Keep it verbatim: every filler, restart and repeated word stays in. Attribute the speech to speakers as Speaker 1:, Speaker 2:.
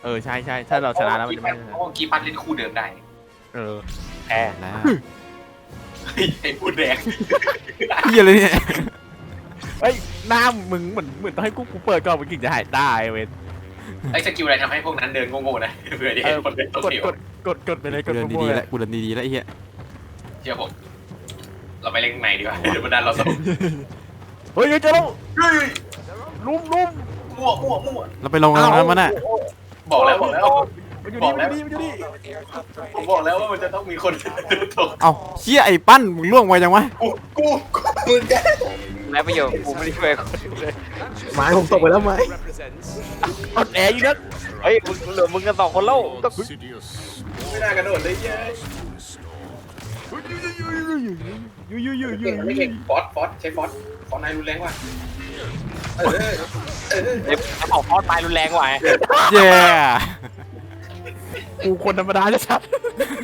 Speaker 1: เออใช่ใช่ถ้าเราชนะแล้วมันจะไม่
Speaker 2: เพราะว่ากีปั้นเล่นคู่เดิมได้
Speaker 1: เออ
Speaker 3: แพ้
Speaker 1: แล้ว
Speaker 2: เฮ้ยไอ้พูดแดง
Speaker 1: เฮียเลยเนี่ยเฮ้ยหน้ามึงเหมือนเหมือนต้องให้กูกูเปิดก่อนมึงถึงจะหายได้เว้ย
Speaker 2: ไอ้สกิลอะไรทำให้พวกนั้นเดินโง่ๆนะเผื่อที่
Speaker 1: เอ
Speaker 2: เห็
Speaker 1: อน
Speaker 2: คนเดินตัว
Speaker 1: กด
Speaker 2: เขียว
Speaker 1: กดกดกดไปเลยก
Speaker 4: กู
Speaker 1: ด
Speaker 4: เดิน
Speaker 1: มั่ว
Speaker 4: ดี
Speaker 1: ๆ
Speaker 4: ๆ
Speaker 1: เล
Speaker 4: แล้ว
Speaker 1: ย
Speaker 4: กูเดินดีๆแล้วไอ้เหี้ย
Speaker 2: เชื่อผมเราไปเล่นในดีกว่าเดี๋ยวมันดันเราสนุก
Speaker 1: เฮ้ยเฮ้ยเจอแล้ว
Speaker 2: เฮ้ย
Speaker 1: ลุมลุม
Speaker 2: มั่วมั่วมั่ว
Speaker 4: เราไปลงกันตรงนั้นมันน่ะ
Speaker 2: บอกแล้วบอกแล้ว
Speaker 1: มันอยู่
Speaker 2: บอ
Speaker 1: นี่
Speaker 2: ก
Speaker 1: มัน
Speaker 2: แล้
Speaker 1: อ
Speaker 2: ว
Speaker 1: ยู่นี่มันอยู่นี่
Speaker 2: ผมบอกแล้วว่ามันจะต้องมีคนตก
Speaker 4: เอ้าเชี่ยไอ้ปั้นมึงล่วงไวจังวะ
Speaker 2: กูกูกูมึงแก
Speaker 3: แล้วประโยชน์กูไม่ได้ช่วยคนเลย
Speaker 5: ไม้ผมตกไปแล้วไม้
Speaker 1: อดแอร์อยู่นะ
Speaker 3: เฮ้ยมึงเหลือมึงกันสองคนแล้วต้อง
Speaker 2: ไม่น่ากระโดดเลยเย้
Speaker 1: อยู่อยู่อยู่อยู่
Speaker 2: เก่งไม่เก่งฟอสฟอสใช้ฟอสฟอสนายรุนแรงว่ะเออเออ
Speaker 3: เด็กออกพอดตายรุนแรงกว่าไง
Speaker 4: เย้
Speaker 1: กูคนธรรมดาจะชัด